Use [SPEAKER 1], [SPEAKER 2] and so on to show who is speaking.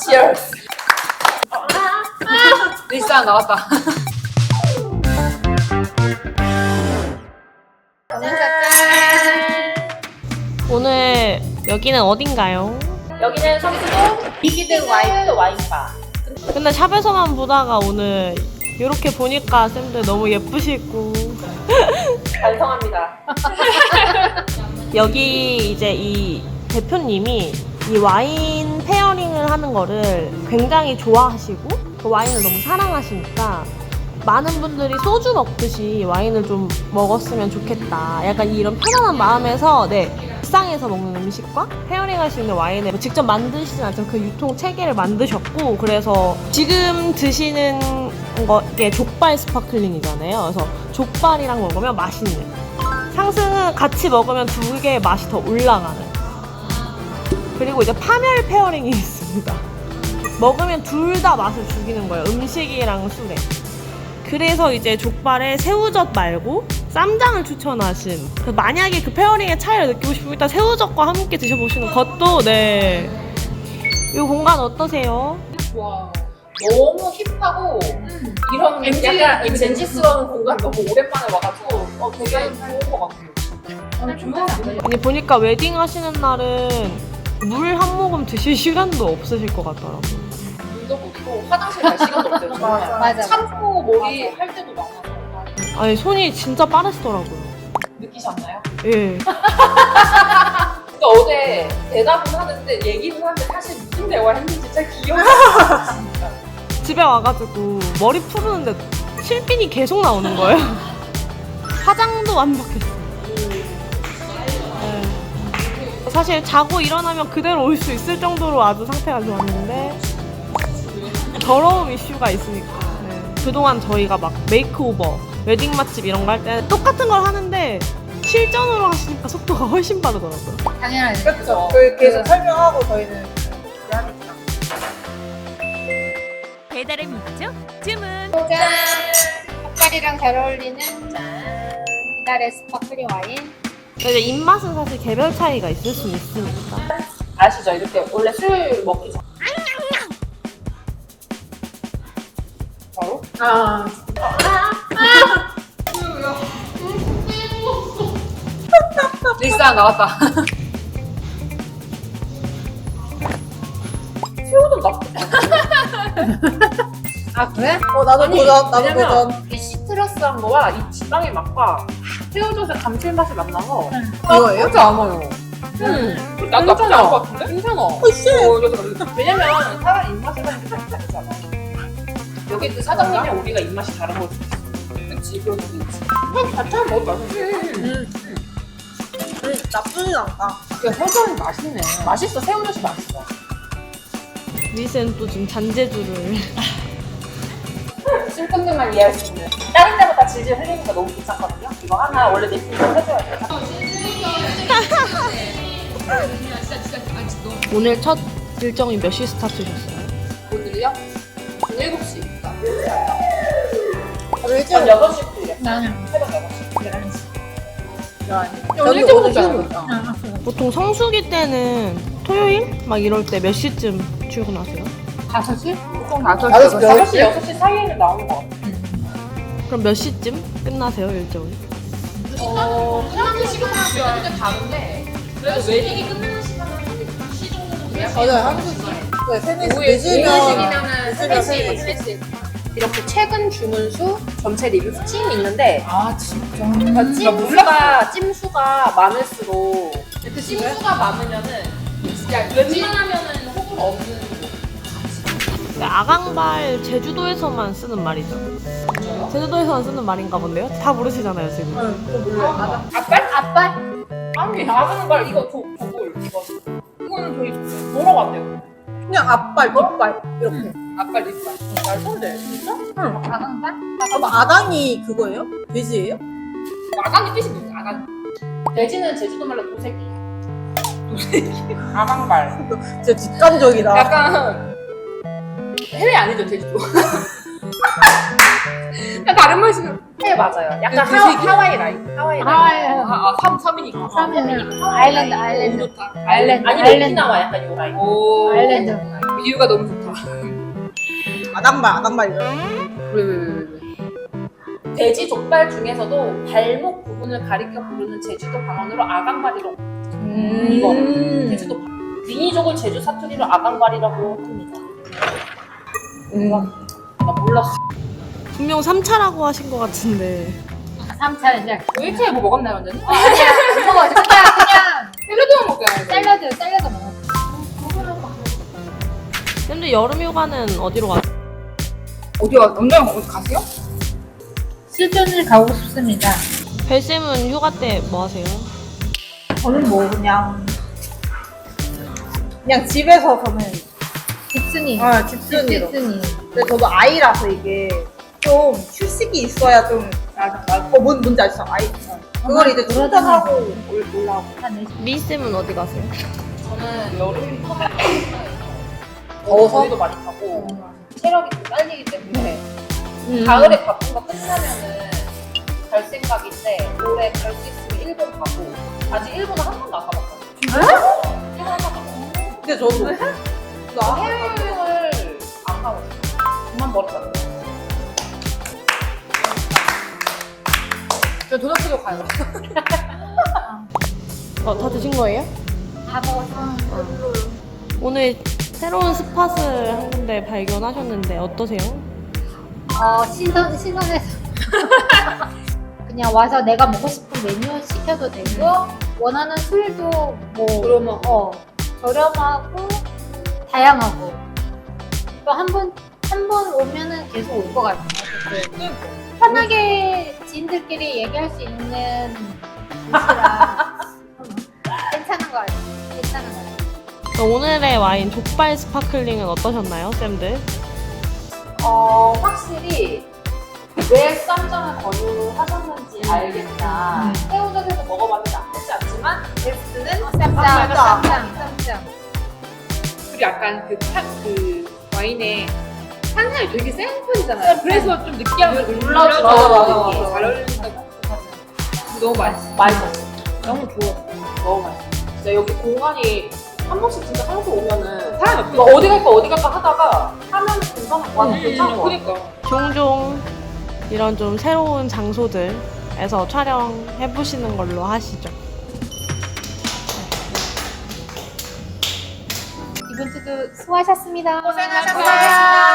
[SPEAKER 1] Cheers. 리쌍 나왔다.
[SPEAKER 2] 오늘 여기는 어딘가요?
[SPEAKER 1] 여기는 성수동 비기드 와인바.
[SPEAKER 2] 근데 샵에서만 보다가 오늘 이렇게 보니까 쌤들 너무 예쁘시고
[SPEAKER 1] 반성합니다.
[SPEAKER 2] 여기 이제 이 대표님이 이 와인 페어링을 하는 거를 굉장히 좋아하시고 그 와인을 너무 사랑하시니까 많은 분들이 소주 먹듯이 와인을 좀 먹었으면 좋겠다. 약간 이런 편안한 마음에서 일상에서 먹는 음식과 페어링 할 수 있는 와인을 직접 만드시진 않지만 그 유통 체계를 만드셨고, 그래서 지금 드시는 게 족발 스파클링이잖아요. 그래서 족발이랑 먹으면 맛있는, 상승은 같이 먹으면 두 개의 맛이 더 올라가는, 그리고 이제 파멸 페어링이 있습니다. 먹으면 둘 다 맛을 죽이는 거예요. 음식이랑 술에. 그래서 이제 족발에 새우젓 말고 쌈장을 추천하신, 만약에 그 페어링의 차이를 느끼고 싶으면 일단 새우젓과 함께 드셔보시는 것도. 이 공간 어떠세요?
[SPEAKER 1] 와, 너무 힙하고 이런 약간 젠지스러운 공간 너무 오랜만에 와가지고 되게 좋은 것 같아요. 좋은.
[SPEAKER 2] 아니, 보니까 웨딩 하시는 날은 물 한 모금 드실 시간도 없으실 것 같더라고요.
[SPEAKER 1] 물도 먹고 화장실 갈 시간도 없어요.
[SPEAKER 3] 맞아.
[SPEAKER 1] 참고 머리 할 때도 많아서.
[SPEAKER 2] 아니, 손이 진짜 빠르시더라고요.
[SPEAKER 1] 느끼셨나요?
[SPEAKER 2] 예.
[SPEAKER 1] 그러니까 어제 대답은 하는데 얘기는 하는데 사실 무슨 대화를 했는지 잘 기억이 안 나요. 진짜.
[SPEAKER 2] 집에 와가지고 머리 푸르는데 실핀이 계속 나오는 거예요. 화장도 완벽했어요. 네. 사실 자고 일어나면 그대로 올 수 있을 정도로 아주 상태가 좋았는데 더러움 이슈가 있으니까. 그동안 저희가 막 메이크오버, 웨딩 맛집 이런 거 할 때 똑같은 걸 하는데 실전으로 하시니까 속도가 훨씬 빠르더라고요.
[SPEAKER 3] 당연하지.
[SPEAKER 1] 그렇죠.
[SPEAKER 4] 계속 설명하고 저희는 하니까.
[SPEAKER 5] 배달의 민족 주문.
[SPEAKER 3] 짠! 닭발이랑 잘 어울리는 이달의 스파클링 와인.
[SPEAKER 2] 이제 입맛은 사실 개별 차이가 있을 수 있으니까.
[SPEAKER 1] 아시죠? 이렇게 원래 술 먹기 전. 바로? 리쌍 나왔다. 새우도 나쁘지 않아. 아 그래?
[SPEAKER 4] 나도
[SPEAKER 1] 아니,
[SPEAKER 4] 도전, 나도
[SPEAKER 1] 왜냐면
[SPEAKER 4] 도전.
[SPEAKER 1] 이 시트러스한 거와 이 지방의 맛과 새우젓의 감칠맛이 만나서
[SPEAKER 4] 이거예요?
[SPEAKER 1] 나쁘지 않아요. 나도 나쁘지 않은 것 같은데? 괜찮아. 왜냐면 사람 입맛에 따라 좀 다르잖아. 여기 그 사장님이랑 우리가 입맛이 다른 걸 수도 있어. 그치, 그럴 수도 있지. 형 같이 하면 먹어도 맛있지.
[SPEAKER 4] 나쁘진 않다.
[SPEAKER 1] 야, 새우젓이 맛있네. 맛있어, 새우젓이 맛있어.
[SPEAKER 2] 미스는 또 지금 잔재주를.
[SPEAKER 1] 술꾼들만 이해할 수 있는. 다른 데보다 질질 흘리니까 너무 귀찮거든요. 이거 하나 원래 립스틱 해줘야 돼.
[SPEAKER 2] 오늘 첫 일정이 몇 시 스타트셨어요?
[SPEAKER 1] 오늘요? 7시.
[SPEAKER 4] 일찍
[SPEAKER 1] 전 6시부터 일해.
[SPEAKER 3] 나는
[SPEAKER 1] 새벽 6시. 11시.
[SPEAKER 4] 저도
[SPEAKER 1] 일찍
[SPEAKER 4] 오늘
[SPEAKER 1] 오잖아요.
[SPEAKER 4] 있다.
[SPEAKER 2] 보통 성수기 때는 토요일? 막 이럴 때 몇 시쯤 출근하세요?
[SPEAKER 1] 5시? 보통
[SPEAKER 4] 5시,
[SPEAKER 1] 5시, 6시 사이에는 나오는 것 같아.
[SPEAKER 2] 그럼 몇 시쯤 끝나세요, 일정이?
[SPEAKER 1] 사람들 시간은 꽤 다른데 그래도 웨딩이 끝나는 시간은 1시 정도 돼야
[SPEAKER 4] 맞아요, 한국 네, 3, 4시
[SPEAKER 1] 오후에
[SPEAKER 4] 늦으면
[SPEAKER 1] 3시면은 3시. 이렇게 최근 주문 수 전체 리뷰 수치는 있는데 그러니까 찜수가 많을수록 그 찜수가 많으면은 진짜 웬만하면은 호불호 없는
[SPEAKER 2] 아강발 제주도에서만 쓰는 말이죠. 제주도에서만 쓰는 말인가 본데요? 다 모르시잖아요, 지금.
[SPEAKER 1] 앞발? 아니 아강발 이거 도골 이거는 저희 뭐라고 한대요?
[SPEAKER 4] 그냥 앞발, 뒷발 이렇게.
[SPEAKER 1] 앞발 뒷발 잘 손대 진짜?
[SPEAKER 3] 아강발?
[SPEAKER 4] 아당이 그거예요? 돼지예요?
[SPEAKER 1] 아강이 뜻이 뭐지? 아강 돼지는 제주도 말로 도새끼 아강발
[SPEAKER 4] 진짜 직관적이다.
[SPEAKER 1] 약간 해외 아니죠 제주도? 그냥 다른 말씀은 해외 맞아요. 약간 하와이 라인. 하와이 라인. 섬이니까.
[SPEAKER 3] 섬이니까. 아일랜드.
[SPEAKER 1] 아니 오키나와 약간 요 라인.
[SPEAKER 3] 아일랜드.
[SPEAKER 1] 비유가 너무 좋다.
[SPEAKER 4] 아당발 이런.
[SPEAKER 1] 왜. 돼지 족발 중에서도 발목 부분을 가리켜 부르는 제주도 방언으로 아강발이라고. 이거 제주도 귀니족을 제주 사투리로 아강발이라고 합니다. 나 몰랐어.
[SPEAKER 2] 분명 3차라고 하신 것 같은데
[SPEAKER 3] 3차는 이제
[SPEAKER 1] 일주일에 뭐 먹었나요, 완전히?
[SPEAKER 3] 아니야 안 먹어 그냥
[SPEAKER 1] 샐러드만 먹어야지.
[SPEAKER 3] 샐러드 먹어.
[SPEAKER 2] 근데 여름 휴가는 어디로 가세요?
[SPEAKER 1] 언제 어디 가세요?
[SPEAKER 3] 수준을 가고 싶습니다.
[SPEAKER 2] 벨쌤은 휴가 때 뭐 하세요?
[SPEAKER 4] 저는 뭐 그냥 집에서 저는
[SPEAKER 3] 집순이.
[SPEAKER 4] 집순이로.
[SPEAKER 3] 집순이.
[SPEAKER 4] 근데 저도 아이라서 이게 좀 휴식이 있어야 좀 뭔지 아시죠? 아이. 그걸 이제 충전하고 올라오고.
[SPEAKER 3] 한 4시.
[SPEAKER 2] 미쌤은 어디 가세요?
[SPEAKER 1] 저는 여름 휴가
[SPEAKER 4] 더워서?
[SPEAKER 1] 더위도 많이 타고 체력이 좀 딸리기 때문에 가을에 바쁜 거 끝나면은 갈 생각인데 올해 갈 수 있으면 일본 가고 아직 일본은 한 번도 안 가봤거든요. 진짜요? 일본 한 번도 안 가봤어요.
[SPEAKER 4] 근데 저도
[SPEAKER 1] 나 해외여행을 안 가봤어요. 그만 멀었잖아요. 저 도넛도 가요.
[SPEAKER 2] 다 드신 거예요?
[SPEAKER 3] 다 먹었어.
[SPEAKER 2] 오늘 새로운 스팟을 한 군데 발견하셨는데 어떠세요?
[SPEAKER 3] 신선해서. 그냥 와서 내가 먹고 싶은 메뉴 시켜도 되고, 원하는 술도 뭐, 저렴하고, 다양하고. 또 한 번 오면은 계속 올 것 같아요. 편하게 지인들끼리 얘기할 수 있는 곳이라 괜찮은 것 같아요.
[SPEAKER 2] 오늘의 와인 족발 스파클링은 어떠셨나요, 쌤들?
[SPEAKER 1] 확실히 왜 쌈장을 권유하셨는지 알겠다. 새우젓에서 먹어봤는데 나쁘지 않지만 베스트는 쌈장. 그리고 약간 그 와인의 탄산이 되게 센 편이잖아요. 그래서 좀 느끼하게 올라서
[SPEAKER 4] 맞아.
[SPEAKER 1] 잘 어울린다고 너무 맛있었어. 너무 좋았어. 너무 맛있어. 진짜 여기 공간이 한 번씩 진짜 한국 오면은 사람이 없어. 어디 갈까 하다가 하면 괜찮은 거 같아. 괜찮은 거 같아. 그러니까.
[SPEAKER 2] 종종 이런 좀 새로운 장소들에서 촬영해보시는 걸로 하시죠.
[SPEAKER 3] 이번 주도 수고하셨습니다.
[SPEAKER 1] 고생하셨습니다.